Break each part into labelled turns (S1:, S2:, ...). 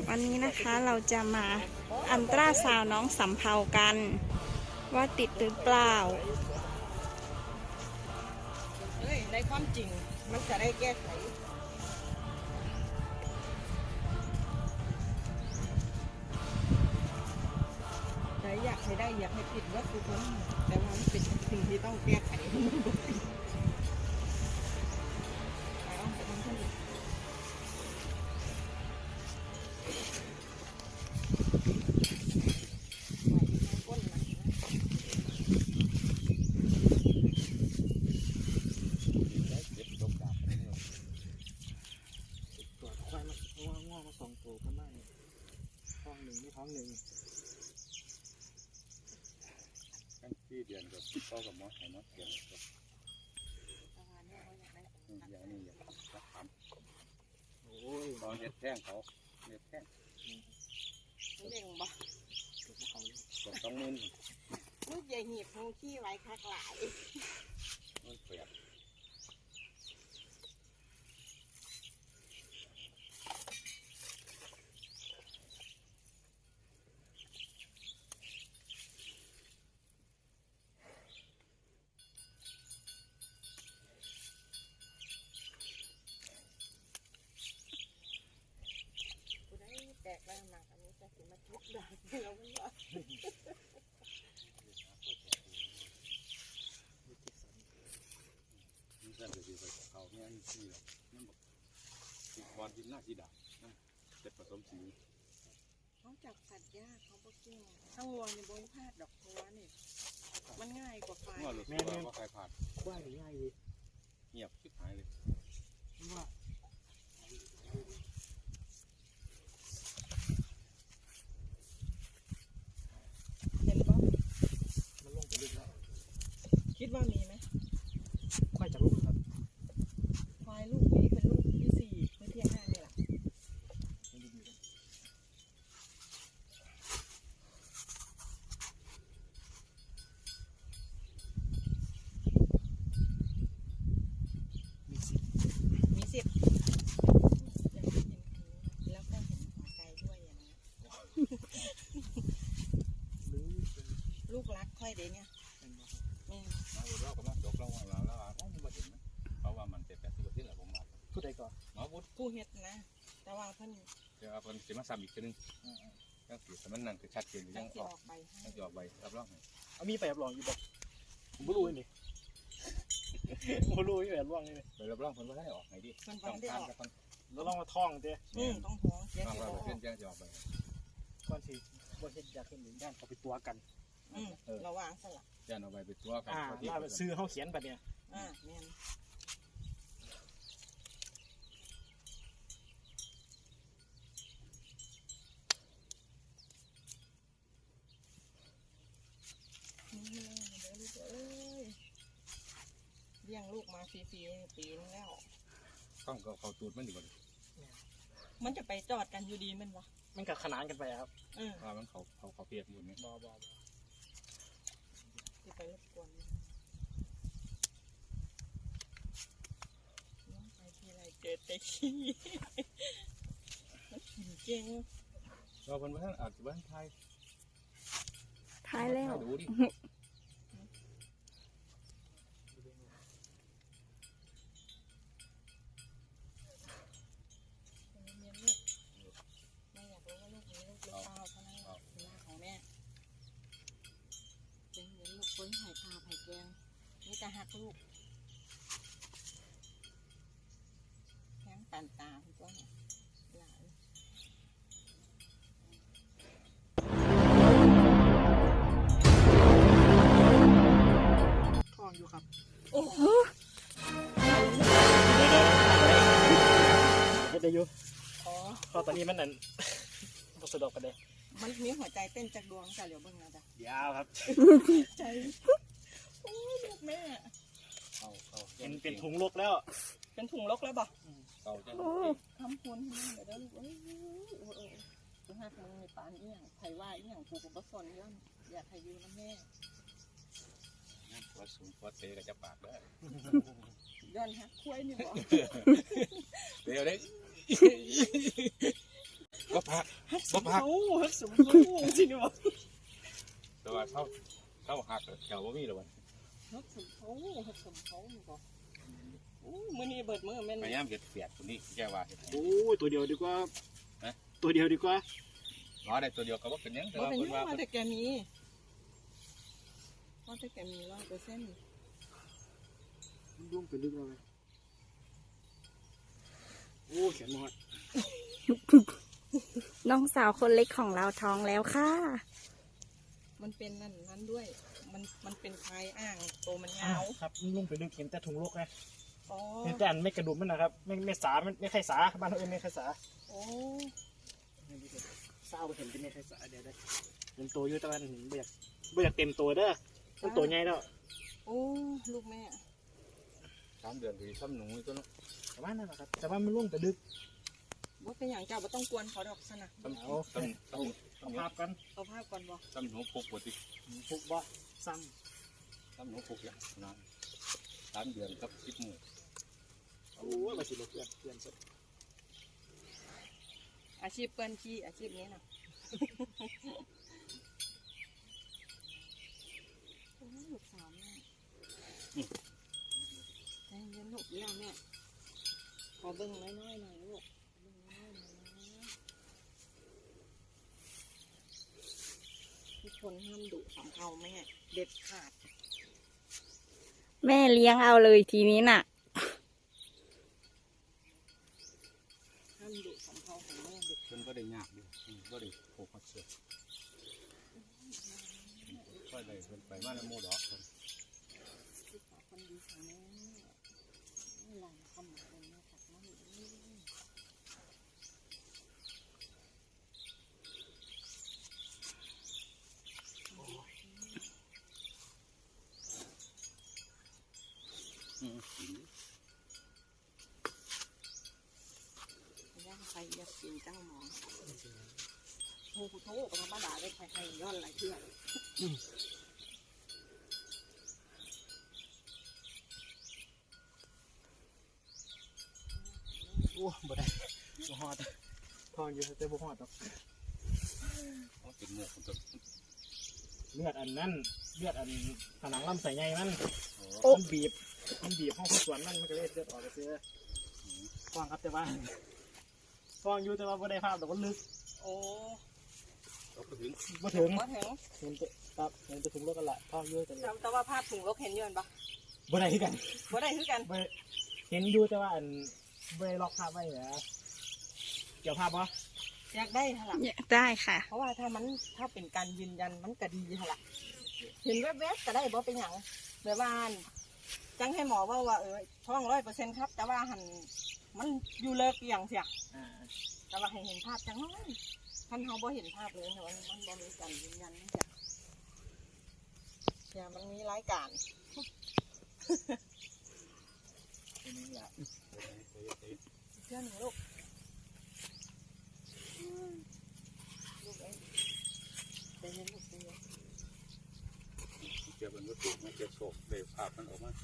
S1: วันนี้นะคะเราจะมาอัลตราซาวน์น้องสำเภากันว่าติดหรือเปล่า
S2: ในความจริงมันจะได้แก้ไขแต่อยากให้ได้อยากให้ผิดว่าคือคนแต่ว่ามันเป็นสิ่งที่ต้องแก้ไข
S3: ที่เดือนกับพ่อกับมอสให้มอสเดือนกับอย่างนี้อย่างรักทำโอ้ยตอนเห็ดแท่งเขาเห็ดแท่ง
S2: เล่งบ่
S3: กดต้องมือ
S2: ลูกใหญ่หีบหูขี้ไว้คักหลาย
S3: มันเปียก
S2: แตกแล้วหนักอันนี้จะถึงมาทุบด่าเราไม่ยอม
S3: นี่แค่จะไปเขาเนี่ยนี่ที่หรอกนั่นบอกติดบอลกินหน้าที่ด่านั่นเจ็ดผสมสี
S2: เขาจับสัตว์ยากเขาบอกจริงถ้าวัวในบนพาดดอกบัวนี่มันง่ายกว่าควาย
S3: แม่ว่าใครผ่าน
S4: ว่าหรือง่ายดี
S3: เงียบชิบหายเลย
S4: ว่า
S2: เห็นป่ะ
S4: มันลงไปลึกแล้ว
S2: คิดว่ามีไหม
S4: ควายจากลูกครับ
S2: ควายลูกนี้เป็นลูกที่4เมื่อเที่ยงหน้านี่แหละมี10ยังไม่กินแล้วก็เห็นหัวใจด้วยอย่างนี้ลูกรักค่อยเดี๋ยวนี้
S3: เรากำลังจบเราว่าเราไม่มาถึงนะเพราะว่ามันจะ80%แหละผมว่า
S4: ผู้ใดก่อน
S3: หมอบุตร
S2: ผู้เฮ็ดนะแต่ว่าเพิ่น
S3: เดี๋ยวเพิ่นจะมาซ้ำอีกทีนึงก็คือสมันนั่นคือชัดเจนยังออก
S2: ใบ
S3: ยังออกใบรับรอง
S4: เอามีไปรับรองอยู่บ่ผมไม่รู้นี่ไม่รู้ที่แบบรับรองนี่
S3: ไปรับรองเพิ่นว่าได้ออกไงดิ
S2: ต้องทาน
S4: กันแล้วลองมาท่องเด้
S2: ต้องท้อง
S3: เสียสิเพิ่นจะออกใบ
S4: ก่อนสิบ่เฮ็ดอยากเห็นย่านเขาไปตัวกัน
S2: ระวังสลับ
S3: ย่านเอาไปตัวกัน
S4: ล่าไปซื้อเฮาเขียนบัดเนี่ย
S2: แม่นเลี้ยงลูกมาฟรีๆปีนึงแล้ว
S3: ต้องเขาตูดมันดีกว่า
S2: มันจะไปจอดกันอยู่ดีมันวะ
S4: มันกับขนานกันไปครับ
S3: มันเขาเปียกหมดไหม
S4: บ่
S2: ที่ไปรบกวนน้องไปที่ไรเจอแต่ขี้มันกินเก่ง
S3: เราเป็นบ้านอาจจะบ้านไทย
S1: แล้ว
S3: ดูดิ
S2: คนไผ่ปลาไผ่แกงนี่จะหักลูกแข้งปันตาคุณว่าหลาน
S4: ท่องอยู่ครับ
S2: โอ้โห
S4: เฮ็ดได้อยู่พอตอนนี้มันนั่นบ่สะดวกกันเด้
S2: มันมีหัวใจเต้นจากดวงจ้ะเดี๋ยวเบิ่งนะจ๊ะ
S4: ยาวครับ
S2: ใจโอ้ยลูกแม่
S4: เป็นถุงลกแล้ว
S2: เป็นถุงลกแล้วบ่ทำคนเดี๋ยวลูกหักมึงในปานอีหยังไผว่าอีหยังกูก็บ่สนย้อนอยากให้อยู่นะแม่
S3: วัดสูงวัดเตะก็จะปากได้
S2: ย้อนหักคุ้ยนี่บ่
S3: เดี๋ยวได้บ่พัก
S2: ฮักส
S3: บ่
S2: ม
S3: พัก
S2: เขาฮักสมเขาสิเนาะ
S3: แต่ว่าเข้าหักแถวบ่มีแล้ววัน
S2: ฮักสมเขาฮักสมเขานี่บ่โอ้มื้อนี้เบิดมื้อแม่น
S3: พยายามเฮ็ดเปียกตัวนี้แกว่าเฮ็ด
S4: โอ้ยตัวเดียวดีกว่าตัวเดียวดีกว่า
S3: รอได้ตัวเดียวก็บ่เป็นหยังแต่
S2: บ่
S3: ว่า
S2: เป็นห
S3: เพิ่น
S2: ยัง
S3: ว่า
S2: ว่าแต่แกมีว่าแต่แกมี100%
S4: มันร่วงไปลึกเลยโอ้เขียนหมด
S1: น้องสาวคนเล็กของเราท้องแล้วค่ะ
S2: มันเป็นนั่นด้วย มันเป็นคลายอ่างโตมันยาว
S4: ครับมันร่วงไปลึกเห็นแต่ถุงโลกไง
S2: อ๋อ
S4: เห็นแต่อันไม่กระดุมมันนะครับไม่สามันไม่ไข่สาบ้านเราเองไม่ไข่สา
S2: โอ้
S4: เศร้าเห็นเป็นไม่ไข่สาเดี๋ยวเป็นตัวอยู่แต่ว่าเห็นไม่อยากเต็มตัวเด้อมันตัวใหญ่แล้ว
S2: โอ้ลูกแม่
S3: 3 เดือนคือซ้ำหนูตัวเนาะ
S4: ประมาณนั้นแหละครับแต่ว่ามันร่วงไปลึก
S2: ว่าเป็นอย่างเจ้าบ่ต้องกวนเขาดอกซะนะ
S3: ซ้ำ
S4: เอาภาพกัน
S2: เอาภาพก่อนบ่
S3: ซ้ำหนูปลุกบ่ติ
S4: พุกบ่ซ้
S3: ซ้ำหนูปลุกอย่างนั้น3 เดือนกับ10 มื้อ
S4: ำโอ้ยมาสิรถเพื่อนสุด
S2: อาชีพเปิ้นขี้อาชีพนี้น่ะโอ้ลูกสาวแม่ใจเย็นลูกเดียวแม่ขอเบิ่งน้อยๆหน่อยลูกเบิ่งน้อยๆหน่อยนะทุกคนห้ามดุสำเภาแม่เด็ดขาด
S1: แม่เลี้ยงเอาเลยทีนี้น่ะ
S2: ห้ามดุสำเภาของแม่เด็ด
S3: เพิ่นบ่ได้ยากเด้บ่ได้ผูกมัดเสือค่อยได้เพิ่นไปมาแล้วหมู่ดอกเพิ่น
S2: ที่ขอคนดีของแม่นี่หลังคำของแม่ตัดน้ำนี่ ย่างไปอยากกินเจ้าหมอนโอ้โหโถธรรมดาได้ใครๆย้อนหลายเพื่อน
S4: โอ้บ่ได้บ่ฮอดทองอยู่แต่บ่ฮอดดอก
S3: เอาเป็นหมวกของตัว
S4: เลือดอันนั้นเลือดอันผนังลำไส้ใหญ่มัน
S3: โอ้
S4: มันบีบห้องส่วนมันก็เลยเลือดออกไปซื้อฟองครับแต่ว่าฟองอยู่แต่ว่าบ่ได้ภาพแต่ว่าลึก
S2: โอ้
S3: เอาไปถึง
S4: บ่ถึง
S2: มาถึง
S4: เห็นแต่ครับเห็นแต่ถุงรถกันละฟองอยู่แต่
S2: แต่ว่าภาพถุงรกเห็นอยืนปะ
S4: บ่ได้คือกัน
S2: บ่ได้คือกัน
S4: บ่เห็นอยู่แต่ว่าอันบ่ได้ล็อกภาพไว้เหรอเกี่ยวภาพบ่
S2: อยากได้ฮะล่ะ
S1: ได้ค่ะ
S2: เพราะว่าถ้าเป็นการยืนยันมันก็ดีฮะล่ะเห็นแวบๆก็ได้บ่เป็นอย่างแบบว่าจังให้หมอว่าท้อง100%ครับ แต่ว่าหันมันอยู่เลิกอย่างเสีย
S4: อ่า
S2: แต่ว่าให้เห็นภาพจังน้อยท่านเขาบ่เห็นภาพเลยแต่ว่ามันบ่มีการยืนยันนะจ๊ะอย่ามันมีรายการ
S4: เป็นนี่ล่ะ
S2: เพื่อนหนูลูกลูกเอ้ยใจเย็นลูกใจเย็น
S3: เก็บเป็นวัตถุมาเก็บโศกได้ภาพมันออกมา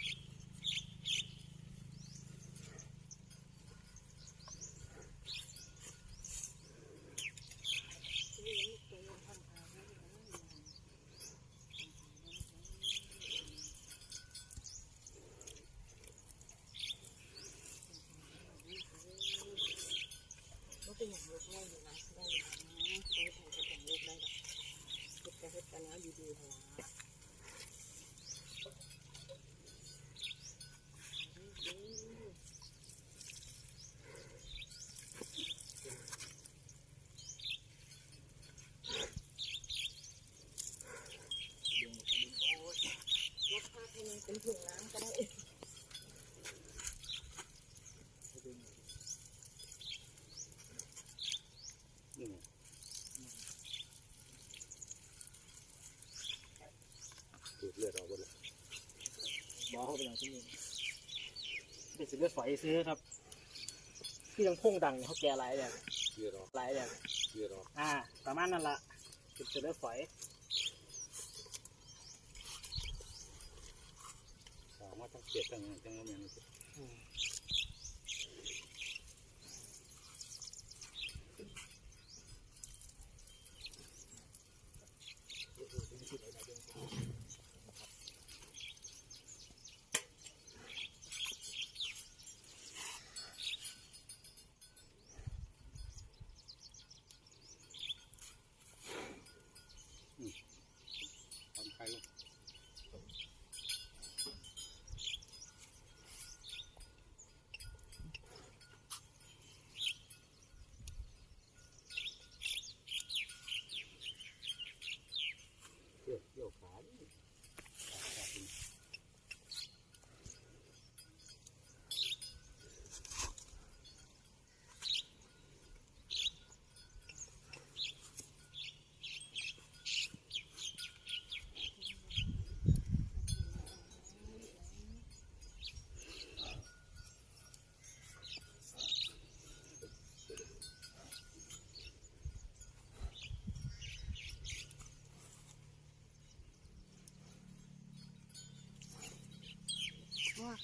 S2: บ่เป็นอย่างลูกแม่อยู่นะแม่อยู่นะได้ถ่ายกับอย่างลูกได้หรอกเฮ็ดกันแล้วดีๆเถอะนะลดภาพให้มันเป็นถุงน้ำก็ได้
S3: นี่ดูดเลือดออกหมดเลย
S4: บ่เข้าไปอย่างที่นี่เป็นสิเลือดฝอยซื้อครับที่ยังพุ่งดังเขาแก่หลายอย่าง
S3: เลือดออก
S4: หลายอย่าง
S3: เลือดออก
S4: ประมาณนั้นล่ะเป็นสิเลือดฝอย
S3: ถามว่าทั้งเจ็บทั้งนั้นทั้งนั้นเนี่ย
S4: อืม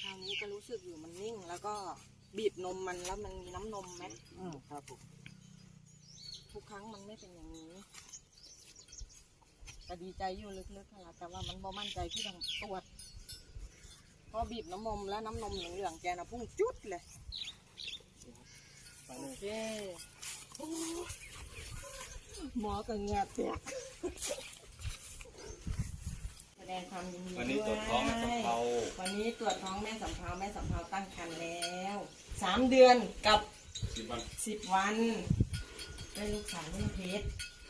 S2: คราวนี้ก็รู้สึกอยู่มันนิ่ง แล้วก็บีบนมมันแล้วมันมีน้ำนมไหม
S4: ครับผม
S2: ทุกครั้งมันไม่เป็นอย่างนี้แต่ดีใจอยู่ลึกๆค่ะแต่ว่ามันบ่มั่นใจที่ต้องตรวจพอบีบน้ำนมแล้วน้ำนมเหลืองๆแกนะพุ่งจุดเลย
S4: ไป
S2: โอ
S4: เลย
S2: เคโอ้หมอกับเหงือแตกแสดงความยินดี
S3: วันนี้
S2: ด้วย
S3: ตรวจท้องแม่สำเภา
S2: วันนี้ตรวจท้องแม่สำเภาแม่สำเภาตั้งครรภ์แล้ว3 เดือนกับ
S3: 10 วัน
S2: 10 วันได้ลูกสาวลูกเพชร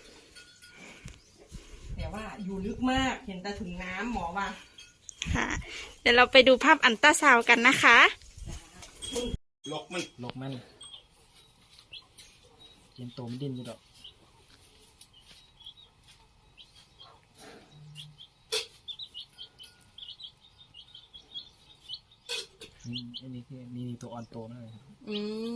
S2: แต่ว่าอยู่ลึกมากเห็นแต่ถุงน้ำหมอว่า
S1: ค่ะ เดี๋ยวเราไปดูภาพอัลตราซาวด์กันนะคะ
S3: ลกมัน
S4: ลกมันเย็นโตมันดิ้นอยู่ดอกอันนี้คือมีตัวอ่อนโตนั่นเลยครับ
S2: อืม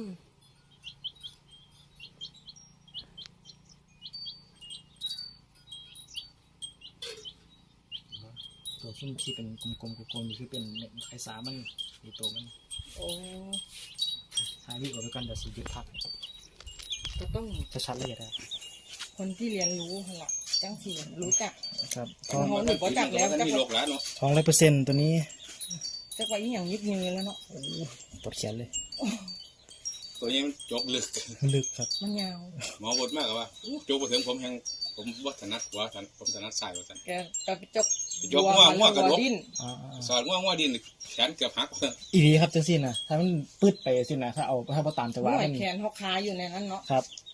S4: ตัวที่เป็นกลมๆนี่คือเป็นไข่สามันมีตัวมัน
S2: โอ้
S4: หายวิออกไปกันเดี๋ยวสียุดพัก
S2: ก็ต้อง
S4: จะชัดเลยได้
S2: คนที่เรียนรู้หั่นล่ะจังสิรู้จัก
S4: ครับ
S2: ท้องหนูก็จักแล้ว
S3: มัน
S2: จัก
S3: มีโรคแล้วเนาะ
S4: ท้อง100%ตัวนี้
S2: จักว่าอีหยังยิบยืนแล้วเนาะ
S4: ปวดแขนเลย
S3: ตัวนี้มันจกลึก
S4: ลึกครับ
S2: มันยาว
S3: หมอบดมากกว่าจกไปถึงผมว่าถนัดหัวผมถนัดซ้ายว่าสัน
S2: แกไปจก
S3: ยกง่วงกับลบ
S2: ดิ้น
S3: สอนง่วงดินแขนเกือบหัก
S4: อีดีครับจังสินะถ้ามันปืดไปสินะถ้าเอาถ้าพอตามจังห
S2: หั
S4: วะ
S2: ว
S4: มัน
S2: แขนเขาคาอยู่ในนั้นเนาะ
S4: ครับ